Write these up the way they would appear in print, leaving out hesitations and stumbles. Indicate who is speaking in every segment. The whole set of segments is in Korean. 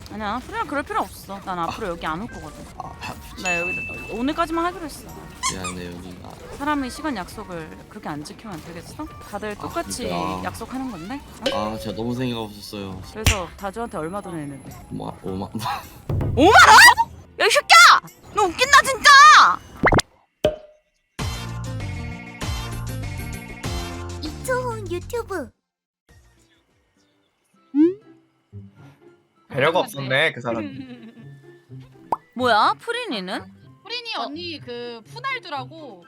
Speaker 1: 아니야 프리랑 그럴 필요 없어. 난 앞으로 여기 안 올 거거든.
Speaker 2: 아,
Speaker 1: 나 여기 오늘까지만 하기로 했어.
Speaker 2: 미안해요 누나.
Speaker 1: 사람이 시간 약속을 그렇게 안 지키면 안 되겠어? 다들 똑같이
Speaker 2: 그러니까.
Speaker 1: 약속하는 건데? 어?
Speaker 2: 아 제가 너무 생각 없었어요.
Speaker 1: 그래서 다주한테 얼마 돈 냈는데?
Speaker 2: 5만
Speaker 1: 5만 원? 야 이 새끼야! 너 웃긴다 진짜!
Speaker 3: 이초훈 유튜브.
Speaker 4: 배려가 없었네 그 사람.
Speaker 1: 뭐야? 프린이는?
Speaker 5: 프린이 언니 그 푸날두라고.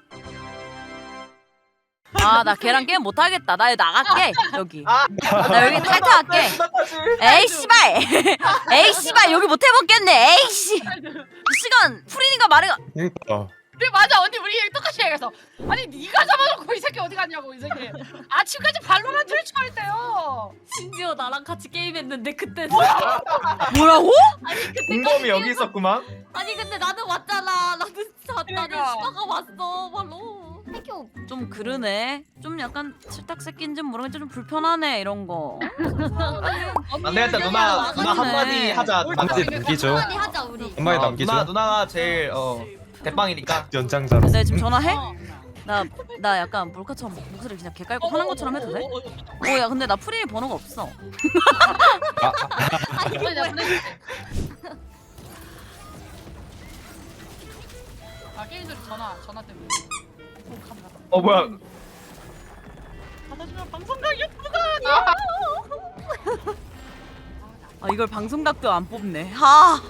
Speaker 1: 아 나 걔랑 게임 못하겠다. 나 여기 나갈게 여기.
Speaker 4: 아,
Speaker 1: 나 여기 탈퇴할게. 에이 씨발. 에이 씨발 여기 못 해먹겠네. 에이 씨. 이 시간 프린이가 말해가.
Speaker 6: 그러니까
Speaker 5: 그래 맞아 언니 우리 똑같이 얘기해서 아니 네가 잡아놓고 이 새끼 어디 갔냐고 이 새끼. 아침까지 발로란트를 쳐했대요.
Speaker 7: 심지어 나랑 같이 게임했는데 그때
Speaker 1: 뭐라고?
Speaker 7: 아니 그때
Speaker 4: 공범이 여기 있었구만.
Speaker 7: 아니 근데 나는 왔잖아. 나는
Speaker 5: 그러니까.
Speaker 7: 수다가 왔어 바로.
Speaker 3: 태교.
Speaker 1: 좀 그러네. 좀 약간 칠딱새끼인지 모르겠는데 좀 불편하네 이런 거.
Speaker 4: 안 되겠다 누나 한마디 하자.
Speaker 6: 한마디 남기죠.
Speaker 3: 한마디 하자 우리.
Speaker 6: 한마디 남기죠.
Speaker 4: 누나가 제일 대빵이니까.
Speaker 6: 연장자로.
Speaker 1: 내 지금 전화해? 나 약간 몰카처럼 목소리 그냥 개 깔고 화난 것처럼 해도 돼? 야 근데 나 프린이 번호가 없어.
Speaker 5: 아 게임 소리 전화 때문에. 오 카메라.
Speaker 4: 뭐야?
Speaker 5: 받아주면 방송각 유튜브가
Speaker 1: 아 이걸 방송각도 안 뽑네. 하.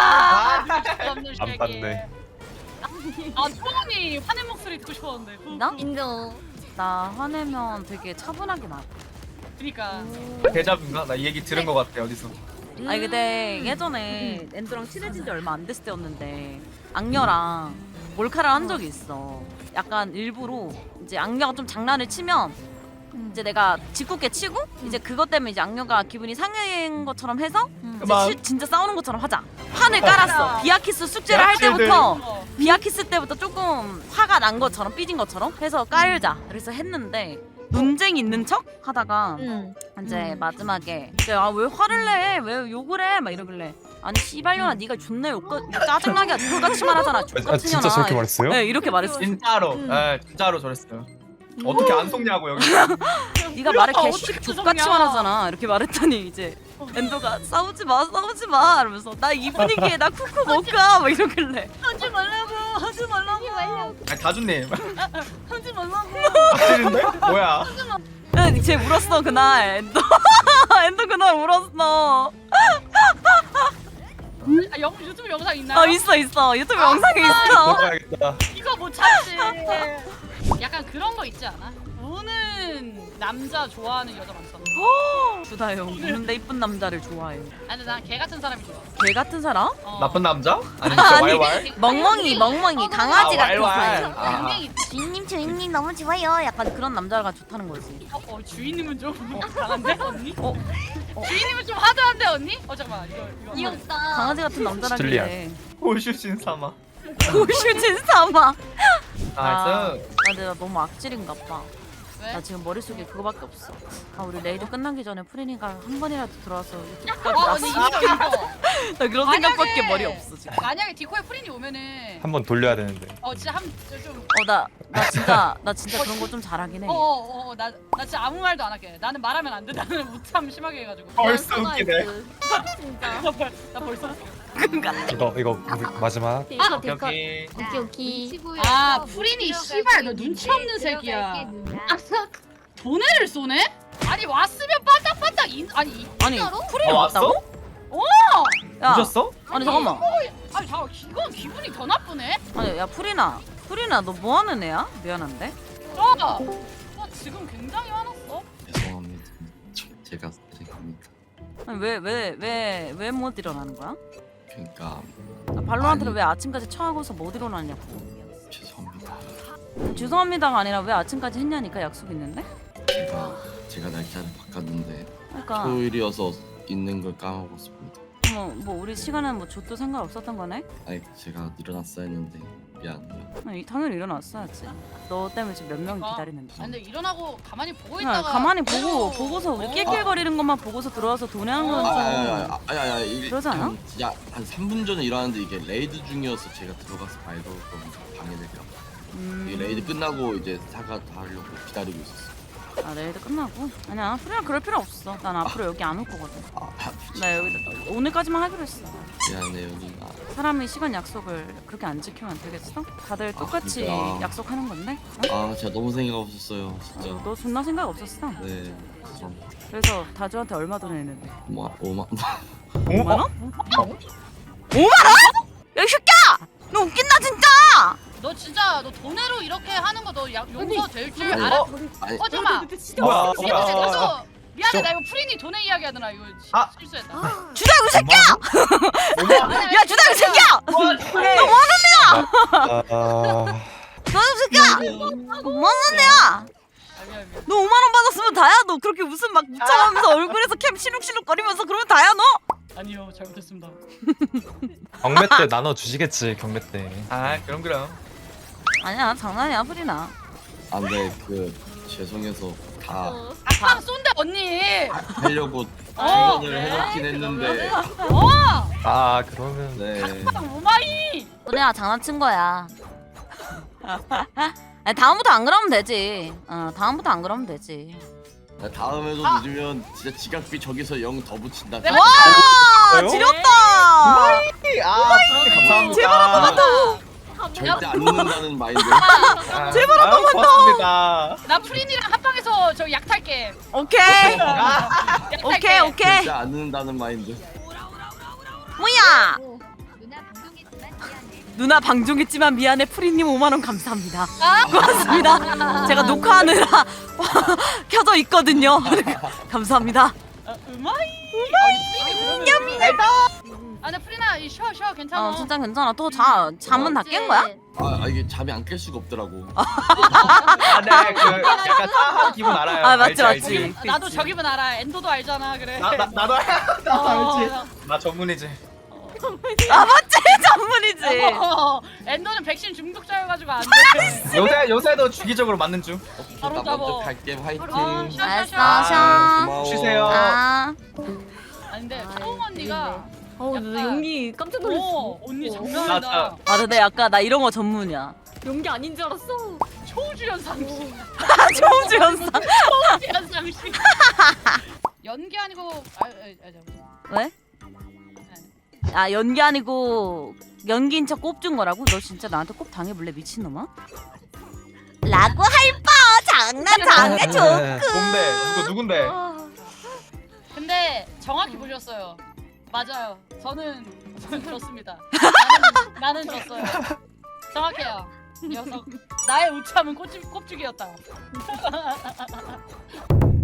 Speaker 6: 안 봤네.
Speaker 5: 아 초원이 화낸 목소리 듣고 싶었는데.
Speaker 1: 나?
Speaker 3: 인정.
Speaker 1: 나 화내면 되게 차분하게 나.
Speaker 5: 그니까.
Speaker 4: 대자뷰인가? 나 이 얘기 들은 것 같아 어디서.
Speaker 1: 아니 근데 예전에 엔드랑 친해진 지 얼마 안 됐을 때였는데 악녀랑 몰카를 한 적이 있어. 약간 일부러 이제 악녀가 좀 장난을 치면 이제 내가 짓궂게 치고 이제 그것 때문에 이제 악녀가 기분이 상한 것처럼 해서 이제
Speaker 4: 그만.
Speaker 1: 진짜 싸우는 것처럼 하자. 판을 깔았어. 비아키스 숙제를 할 때부터 비아키스 때부터 조금 화가 난 것처럼 삐진 것처럼 해서 깔자. 그래서 했는데 논쟁이 있는 척 하다가 이제 마지막에 왜 화를 내? 왜 욕을 해? 막 이러길래 아니 씨발년아 네가 존나 짜증나게 돌같이만 하잖아.
Speaker 6: 아
Speaker 1: 족같은
Speaker 6: 진짜
Speaker 1: 년아.
Speaker 6: 저렇게 말했어요?
Speaker 1: 네 이렇게 말했어.
Speaker 4: 진짜로. 진짜로 저랬어요. 어떻게 안 속냐고 여기.
Speaker 1: 네가 말을
Speaker 5: 아,
Speaker 1: 개
Speaker 5: 어떻게
Speaker 1: 족같이만 하잖아. 이렇게 말했더니 이제 엔도가 싸우지 마 이러면서 나 이 분위기에 나 쿠쿠 못 가 막 이러길래 하지 말라고.
Speaker 4: 다준님.
Speaker 1: 하지 말라고.
Speaker 4: 다준인데? 뭐야?
Speaker 1: 쟤 울었어 그날 엔도. 엔도 그날 울었어.
Speaker 5: 아, 유튜브 영상 있나요?
Speaker 1: 있어 유튜브 영상에 있어.
Speaker 6: 먹어야겠다.
Speaker 5: 이거 못 참지. 약간 그런 거 있지 않아? 우는 남자 좋아하는 여자 많잖아.
Speaker 1: 주다영 우는데 이쁜 남자를 좋아해.
Speaker 5: 아니 난 걔 같은 사람이 좋아.
Speaker 1: 걔 같은 사람?
Speaker 4: 나쁜 남자? 아니
Speaker 1: 아니,
Speaker 4: 왈왈?
Speaker 1: 멍멍이 강아지
Speaker 4: 아,
Speaker 1: 같은
Speaker 4: 왈왈.
Speaker 1: 사람.
Speaker 4: 아.
Speaker 5: 맹맹이.
Speaker 3: 주인님 너무 좋아요.
Speaker 1: 약간 그런 남자가 좋다는 거지.
Speaker 5: 주인님은 좀 강한데 언니?
Speaker 1: 어?
Speaker 5: 주인님은 좀 하드한데 언니? 잠깐만 이거.
Speaker 3: 귀엽다.
Speaker 1: 강아지 같은 남자라길래.
Speaker 4: 호슈신 사마.
Speaker 1: 고슈진 삼아.
Speaker 4: 나이스.
Speaker 1: 근데 나 너무 악질인가 봐.
Speaker 5: 왜?
Speaker 1: 나 지금 머릿속에 그거밖에 없어. 우리 레이드 끝나기 전에 프린이가 한 번이라도 들어와서 유튜브까지
Speaker 5: 언니
Speaker 1: 났어.
Speaker 5: 이거.
Speaker 1: 나 그런
Speaker 5: 만약에-
Speaker 1: 생각밖에 머리 없어 지금.
Speaker 5: 만약에 디코에 프린이 오면은
Speaker 6: 한 번 돌려야 되는데.
Speaker 5: 진짜 좀.
Speaker 1: 나 진짜 그런 거 좀 잘하긴 해.
Speaker 5: 나 진짜 아무 말도 안 할게. 나는 말하면 안 돼. 나는 무참 심하게 해가지고.
Speaker 4: 벌써 웃기네.
Speaker 3: 진짜.
Speaker 5: 나 벌써.
Speaker 6: 이거 마지막.
Speaker 4: 오케이.
Speaker 3: 오케이.
Speaker 5: 아 프린이 씨발 너 눈치 없는 새끼야. 돈을 쏘네? 아니 왔으면 빠딱빠딱 아니
Speaker 1: 프린이
Speaker 4: 왔어?
Speaker 1: 왔다고? 야,
Speaker 4: 보셨어?
Speaker 1: 아니 잠깐만.
Speaker 5: 아니 잠깐 이건 기분이 더 나쁘네.
Speaker 1: 아니 야 프린아 너 뭐 하는 애야? 미안한데.
Speaker 5: 와 지금 굉장히 화났어.
Speaker 2: 죄송합니다. 제가 드립니다.
Speaker 1: 아니 왜 못 일어나는 거야?
Speaker 2: 그러니까
Speaker 1: 발로란트를
Speaker 2: 아니.
Speaker 1: 왜 아침까지 처하고서 못 일어나냐고.
Speaker 2: 죄송합니다.
Speaker 1: 죄송합니다가 아니라 왜 아침까지 했냐니까 약속 있는데?
Speaker 2: 제가 날짜를 바꿨는데
Speaker 1: 그러니까
Speaker 2: 토요일이어서 있는 걸 까먹었습니다.
Speaker 1: 뭐 우리 시간은 뭐 좆도 상관없었던 거네?
Speaker 2: 아니 제가 일어났어야 했는데 미안.
Speaker 1: 아니, 당연히 일어났어야지. 너 때문에 지금 몇 명이
Speaker 5: 아,
Speaker 1: 기다리는데.
Speaker 5: 아, 근데 일어나고 가만히 보고
Speaker 1: 그냥
Speaker 5: 있다가
Speaker 1: 가만히 보고서 우리 낄낄거리는 것만 보고서 들어와서 돈해한 건 좀. 그러지 않아?
Speaker 2: 야, 한 3분 전에 일어났는데 이게 레이드 중이어서 제가 들어가서 말도 좀 방해될까 봐. 이 레이드 끝나고 이제 사과 다 하려고 기다리고 있었어.
Speaker 1: 아 레이드 끝나고? 아니야 프리야 그럴 필요 없어. 난 앞으로 여기 안 올 거거든. 나 여기 오늘까지만 하기로 했어.
Speaker 2: 미안해요 누나.
Speaker 1: 사람이 시간 약속을 그렇게 안 지키면 안 되겠어? 다들 똑같이
Speaker 2: 진짜.
Speaker 1: 약속하는 건데?
Speaker 2: 아 제가 너무 생각 없었어요 진짜.
Speaker 1: 너 존나 생각 없었어.
Speaker 2: 네.
Speaker 1: 그래서 다주한테 얼마 돈 했는데?
Speaker 2: 5만
Speaker 1: 5만 원? 5만 원? 야, 이 새끼야! 너 웃긴다 진짜!
Speaker 5: 너 진짜 너 돈으로 이렇게 하는 거 너 용서 될 줄
Speaker 2: 아니,
Speaker 5: 알아?
Speaker 2: 아니
Speaker 5: 잠깐만.
Speaker 4: 뭐야?
Speaker 5: 나도 미안해 나 이거 프린이 돈의 이야기 하느라 이거
Speaker 4: 아.
Speaker 5: 실수했다.
Speaker 1: 주다 이 새끼야! 야 주다 이 새끼야!
Speaker 6: 아,
Speaker 1: 너 이 새끼야! 5만 원이야! 너 5만 원 받았으면 다야. 너 그렇게 웃음 막 묻혀가면서 얼굴에서 캠 시룩시룩 거리면서 그러면 다야 너?
Speaker 5: 아니요 잘못했습니다.
Speaker 6: 경매 때 나눠 주시겠지 경매 때.
Speaker 4: 아 그럼.
Speaker 1: 아니야 장난이야 프리나.
Speaker 2: 아 근데 그 죄송해서 다
Speaker 5: 아빵 쏜대 언니.
Speaker 2: 하려고
Speaker 5: 어.
Speaker 2: 출연을 해놓긴 했는데
Speaker 6: 아 그러면
Speaker 2: 네.
Speaker 5: 오마이.
Speaker 1: 프리야 장난친 거야. 아니, 다음부터 안 그러면 되지. 다음부터 안 그러면 되지.
Speaker 2: 나 다음에도 늦으면 진짜 지각비 저기서 0 더 붙인다.
Speaker 5: 내가
Speaker 1: 와
Speaker 6: 진짜요?
Speaker 1: 지렸다.
Speaker 4: 아 감사합니다.
Speaker 2: 절대 안 늦는다는 마인드.
Speaker 4: 제발 한 번만 더. 고맙습니다.
Speaker 5: 나 프린이랑 합방해서 저 약 탈게.
Speaker 1: 오케이
Speaker 5: 약
Speaker 1: 오케이
Speaker 5: 탈게.
Speaker 1: 오케이.
Speaker 2: 절대 안 늦는다는 마인드.
Speaker 1: 뭐야?
Speaker 3: 누나 방송했지만 미안해.
Speaker 1: 누나 방종했지만 미안해 프리님 5만 원 감사합니다. 고맙습니다. 제가 녹화하느라 켜져 있거든요. 감사합니다.
Speaker 5: 우마이. 아, 나 프리나 이 쉬어 괜찮아.
Speaker 1: 진짜 괜찮아. 또 잠은 다 깬 거야?
Speaker 2: 아 이게 잠이 안 깰 수가 없더라고.
Speaker 4: 네, 그 약간 싸한 기분 알아요.
Speaker 1: 아, 맞지,
Speaker 4: 알지?
Speaker 1: 맞지.
Speaker 5: 나도 저 기분 알아. 엔도도 알잖아. 그래.
Speaker 4: 나도 알지. 나 전문이지.
Speaker 1: 아 맞지 전문이지.
Speaker 5: 엔도는 백신 중독자여가지고 안 돼.
Speaker 4: 요새도 주기적으로 맞는 중.
Speaker 5: 바로
Speaker 2: 나
Speaker 5: 잡어.
Speaker 2: 먼저 갈게 화이팅.
Speaker 1: 알았어
Speaker 2: 아,
Speaker 1: 샤.
Speaker 2: 고마워.
Speaker 4: 쉬세요.
Speaker 1: 아
Speaker 5: 아니 근데 초홍 언니가
Speaker 7: 나 연기 깜짝 놀랐어.
Speaker 5: 언니
Speaker 4: 맞아.
Speaker 5: 장난이다.
Speaker 1: 근데 약간 나 이런 거 전문이야.
Speaker 7: 연기 아닌 줄 알았어.
Speaker 5: 초주연 상식.
Speaker 1: 초우주 연상.
Speaker 5: 초주연 상식. 연기 아니고
Speaker 1: 왜? 아 연기 아니고 연기인 척 꼽준 거라고? 너 진짜 나한테 꼽 당해볼래 미친놈아? 라고 할 뻔 장난 조크.
Speaker 4: 뭔데? 누군데?
Speaker 5: 근데 정확히 보셨어요. 맞아요. 저는 졌습니다. 나는 졌어요. 정확해요. 녀석. 나의 우참은 꼽주기였다.